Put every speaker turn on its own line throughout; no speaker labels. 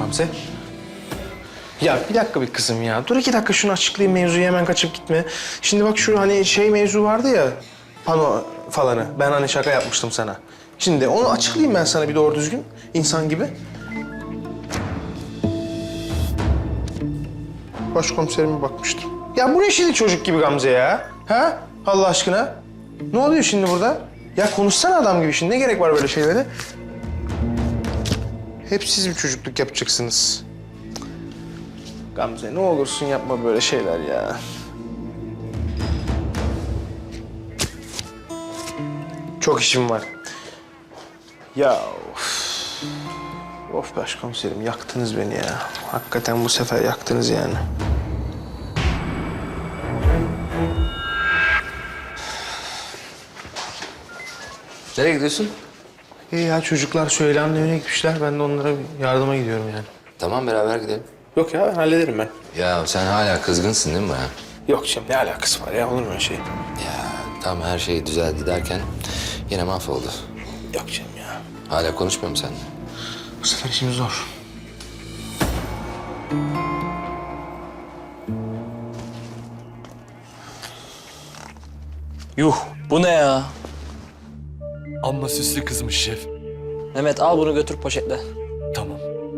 Gamze. Ya bir dakika bir kızım ya. Dur 2 dakika şunu açıklayayım, mevzuyu hemen kaçıp gitme. Şimdi bak şu hani şey mevzu vardı ya, pano falanı. Ben hani şaka yapmıştım sana. Şimdi onu açıklayayım ben sana bir doğru düzgün, insan gibi. Başkomiserime bakmıştım. Ya bu ne şimdi çocuk gibi Gamze ya? Ha? Allah aşkına. Ne oluyor şimdi burada? Ya konuşsana adam gibi şimdi. Ne gerek var böyle şeylere? Hep siz bir çocukluk yapacaksınız. Gamze ne olursun yapma böyle şeyler ya. Çok işim var. Ya of. Of başkomiserim yaktınız beni ya. Hakikaten bu sefer yaktınız yani.
Nereye gidiyorsun?
İyi ya çocuklar Süheyla'nın evine gitmişler. Ben de onlara yardıma gidiyorum yani.
Tamam beraber gidelim.
Yok ya ben hallederim ben.
Ya sen hala kızgınsın değil mi bana?
Yok canım ne alakası var ya olur mu öyle şey?
Ya tam her şey düzeldi derken yine mahvoldu.
Yok canım ya.
Hala konuşmuyor musun seninle?
Bu sefer işimiz zor.
Yuh, bu ne ya?
Amma süslü kızmış şef.
Mehmet al bunu götür poşetle.
Tamam.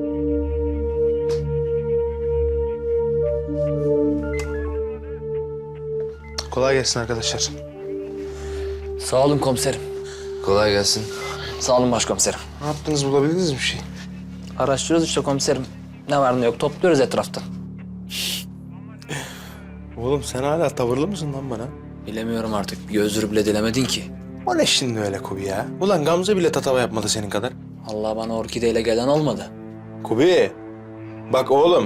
Kolay gelsin arkadaşlar.
Sağ olun komiserim.
Kolay gelsin.
Sağ olun başkomiserim.
Ne yaptınız bulabildiniz mi bir şey?
Araştırıyoruz işte komiserim. Ne var ne yok topluyoruz etraftan.
Oğlum sen hala tavırlı mısın lan bana?
Bilemiyorum artık. Bir özür bile dilemedin ki.
O ne şimdi öyle Kubi ya? Ulan Gamze bile tatava yapmadı senin kadar.
Allah bana orkideyle gelen olmadı.
Kubi. Bak oğlum.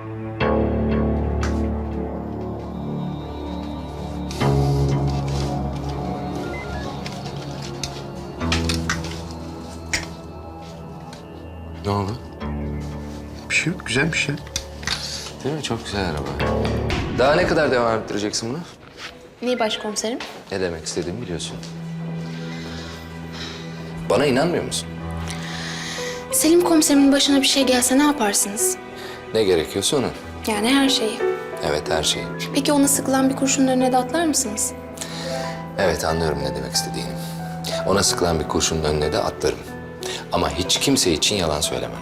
Ne oldu?
Bir şey yok güzel bir şey.
Değil mi? Çok güzel araba. Daha ne kadar devam ettireceksin bunu?
Neyi başkomiserim?
Ne demek istediğimi biliyorsun. Bana inanmıyor musun?
Selim komiserimin başına bir şey gelse ne yaparsınız?
Ne gerekiyorsa onu.
Yani her şeyi.
Evet her şey.
Peki ona sıkılan bir kurşunun önüne de atlar mısınız?
Evet anlıyorum ne demek istediğini. Ona sıkılan bir kurşunun önüne de atlarım. Ama hiç kimse için yalan söylemem.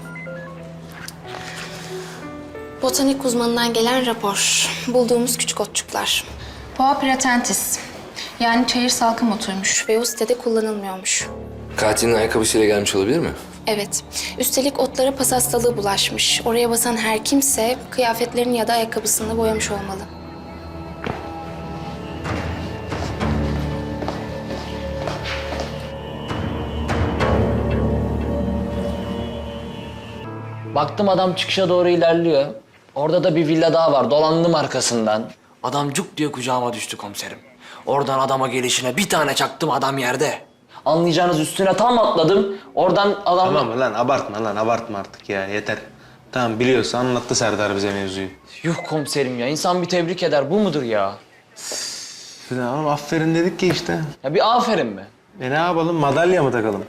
Botanik uzmanından gelen rapor. Bulduğumuz küçük otçuklar. Boğa pratentis. Yani çayır salkım otuymuş ve o sitede kullanılmıyormuş.
Katilin ayakkabısıyla gelmiş olabilir mi?
Evet. Üstelik otlara pas hastalığı bulaşmış. Oraya basan her kimse kıyafetlerini ya da ayakkabısını boyamış olmalı.
Baktım adam çıkışa doğru ilerliyor. Orada da bir villa daha var. Dolandım arkasından. Adam cuk diye kucağıma düştü komiserim. Oradan adama gelişine bir tane çaktım adam yerde. Anlayacağınız üstüne tam atladım. Oradan adam...
Tamam lan abartma artık ya yeter. Tamam biliyorsa anlattı Serdar bize mevzuyu.
Yuh komiserim ya. İnsan bir tebrik eder. Bu mudur ya?
Ya oğlum aferin dedik ki işte.
Ya bir aferin be.
Ne yapalım madalya mı takalım?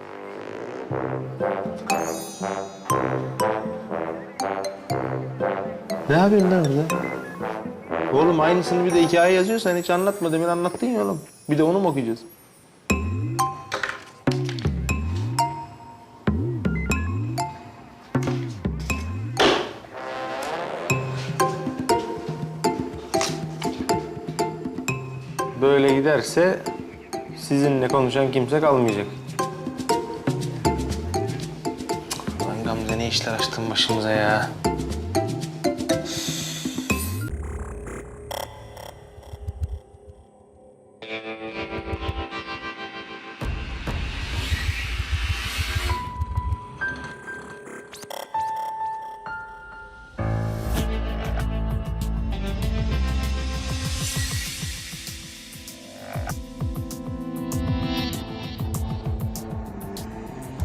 Ne yapıyorsun lan burada? Oğlum aynısını bir de hikaye yazıyorsan hiç anlatma. Demin anlattın ya oğlum. Bir de onu mu okuyacağız? Böyle giderse sizinle konuşan kimse kalmayacak. Lan Gamze ne işler açtın başımıza ya.